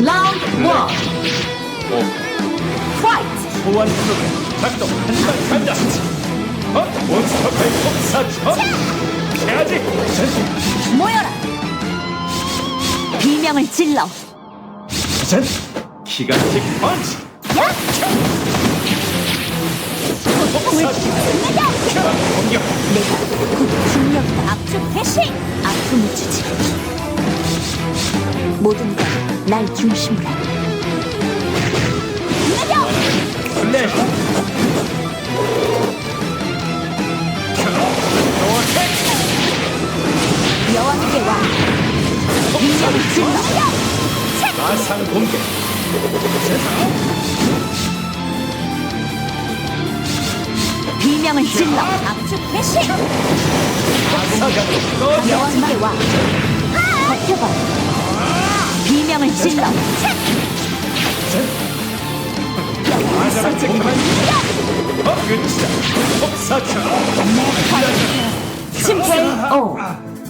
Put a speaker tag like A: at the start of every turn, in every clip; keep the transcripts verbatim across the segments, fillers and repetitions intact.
A: 라운드 원.
B: 오,
A: 파이트.
B: 소환 프로그램 작동. 한발 간다. 어? 몬스터의 폭사처. 해야지. 전,
A: 모여라. 비명을 질러.
B: 전. 기간식 펀치.
A: 야!
B: 폭사처. 공격.
A: 내가 곧 중력이다. 압축 대시. 아픔을 주지. 모든 걸 날 중심으로. 내려.
B: 플래시.
A: 여왕께 와. 비명을 질러.
B: 마상 공격.
A: 비명을 질러. 압축 대시.
B: 사각 꺼져.
A: 여왕께 와. 버텨봐. 비명을 질러.
B: 마상 공격. 어, 끝이다. 폭사처.
A: 심케이오.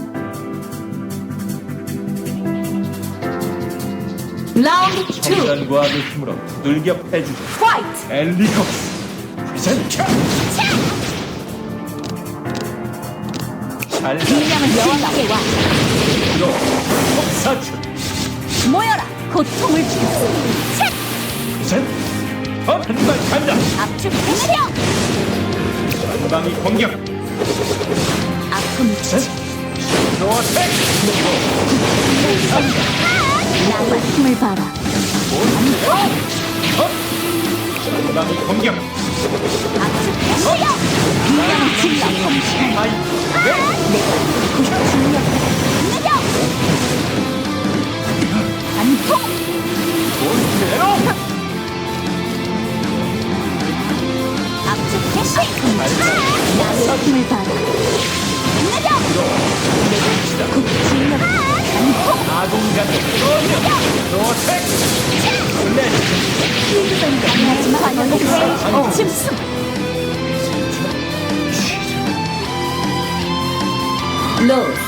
A: 라운드 투.
B: 정전과학의 힘으로 두들겨 패주자.
A: 파이트.
B: 엘리콥스. 프레젠트. 잘라.
A: 비명을 여왕께 와.
B: 폭사처.
A: 모여라. 고통을 주겠어.
B: 프레젠트. 어, 한발 간다.
A: 압축 대시려.
B: 전방위 공격.
A: 아픔을 주지.
B: 노어택.
A: 나의 힘을 봐라.
B: 어? 전방위 공격.
A: 압축 대시려. 비명을 질러.
B: 하이. 네.
A: 내가 곧 중력이다. 내려. 안통.
B: 몬스테로.
A: 압축 대시. 나의 힘을 봐라. 내려. 내가 곧 중력이다. 안통.
B: 아동가족. 노어택. 플래시.
A: 강하지만 반영했어. 짐승. 로스.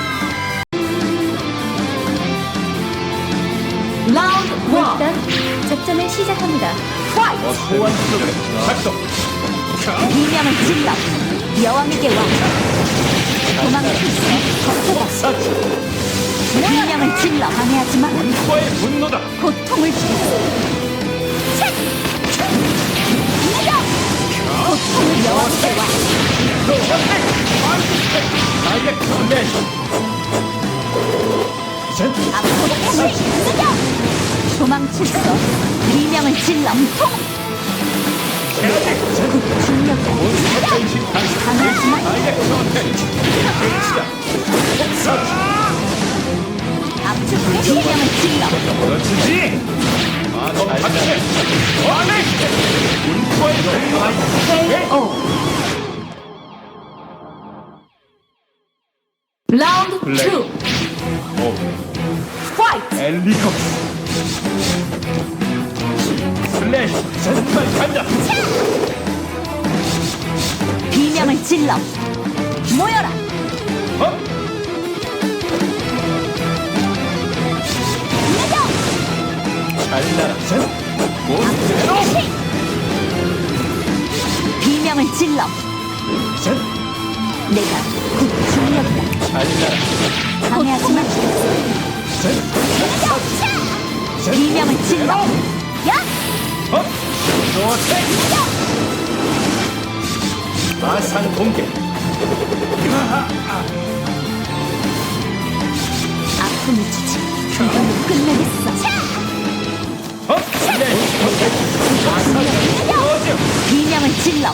A: 라운드 원.
C: 일단 작전을 시작합니다.
A: 파이트.
B: 소환 프로그램 작동.
A: 비명을 질러. 여왕에게 와. 도망칠 수 버텨봐.
B: 폭사처.
A: 비명을 질러. 방해하지 마.
B: 문과의 분노다.
A: 고통을 주겠어. 내려. 고통을 여왕에게 와.
B: 다이렉트 플래시. 프레젠트.
A: 앞으로 다시 내려. 도망칠 수 없어. 비명을 질러. 통. 중력이다.
B: 몬스터 변신 탄생.
A: 방해하지 마.
B: 다이렉트 어택. 끝이다. 폭사처.
A: 압축 비명을 질러.
B: 그렇지. 마법 박제. 와렉. 문과의 분노다.
A: 오. 라운드
B: 블랙.
A: 투.
B: 오.
A: 파이트.
B: 엘리콥스. 슬래시. 정말 간다.
A: 비명을 질러. 모여라.
B: 어?
A: 내려.
B: 잘나라. 전. 몬스테로.
A: 비명을 질러.
B: 전.
A: 내가 곧 중력이다.
B: 잘나라.
A: 방해하지 마.
B: 전. 전.
A: 비명을 질러. 야!
B: 어? 노어택. 마상 공격.
A: 아픔을 주지. 이걸로 끝내겠어.
B: 어? 슬래시. 마상 공격.
A: 비명을 질러.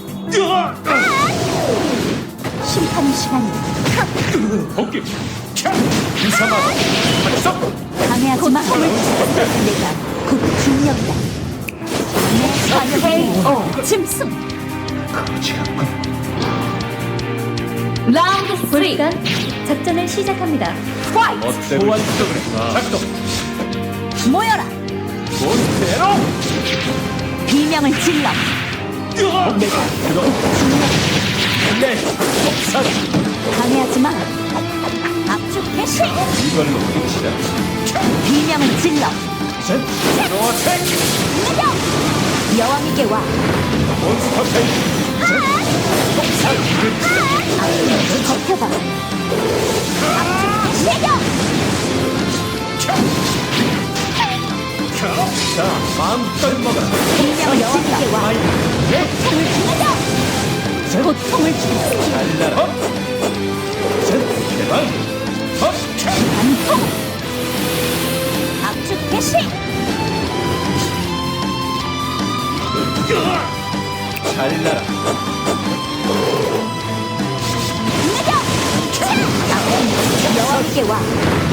A: 심판 시간이다.
B: 복귀. 이상하다. 발성.
A: 방해하지 마. 내가 곧 중력이다. 내 반역의 오 짐승.
B: 거지 같군.
A: 라운드 삼.
C: 일단 작전을 시작합니다.
A: 파이트.
B: 소환 프로그램 작동.
A: 모여라.
B: 몬스테로.
A: 비명을 질러. 내가
B: 그거. 플래시. 폭사.
A: 방해하지 마. 압축 대시.
B: 이걸로 끝이다.
A: 비명을 질러.
B: 로어텍
A: 여왕에게 와.
B: 몬스터 테이 폭살
A: 버텨봐.
B: 자 마음껏 먹어라
A: 리명 여왕에게 와. 고통을 주겠어.
B: 달라라 대박 업
A: 단통. 압축 개시.
B: 잘나라
A: 여왕에게 와.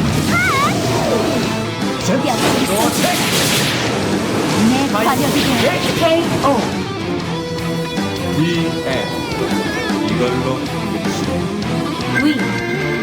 B: 로어텍
A: 내 관역이 돼. 케이오.
B: 디엔 이걸로 끝이
A: 위.